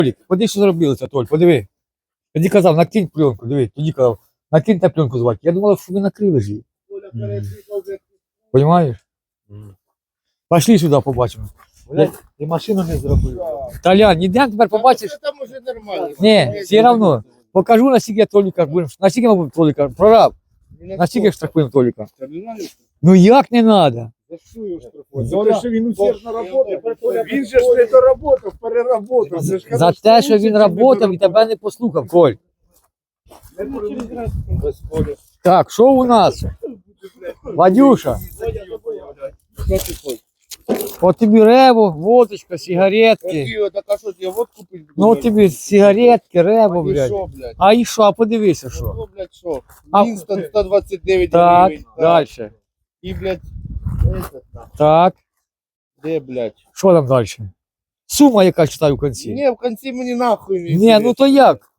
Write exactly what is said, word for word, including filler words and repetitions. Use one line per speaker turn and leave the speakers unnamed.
Толік, поди, що зробили це, Толь, подиви. Тоді казав, накинь пленку, диви, тоді казав, накинь та пленку звати. Я думав, що ви накрили ж її. Понимаєш? Пошли сюди, побачимо. Я, ти машину не зробив. Толян, ніде тепер побачиш.
Там уже нормально.
Ні, все одно. Покажу, наскільки я Толіка будемо. Наскільки ми будемо Толіка? Прораб. Наскільки штрафуємо Толіка? Ну як не треба?
За те, що він усердно працює. Він же ж не доработав, переработав.
За те, що він працював і тебе не послухав, Коль. Так, що у нас? Вадюша. От тобі рево, водочка, сигаретки.
Так а що, тебе водку пить?
Ну от тобі сигаретки, рево,
І
блядь.
що, блядь?
А і що, а подивися, що.
Ну, блядь, що?
А-
Вінстон сто двадцять дев'ять
Так,
гривень.
далі.
І, блядь, этот, нахуй.
Так,
Де, блядь?
що там далі? Сума, яка читаю в кінці.
Ні, в кінці мені нахуй не
Ні, ну то як?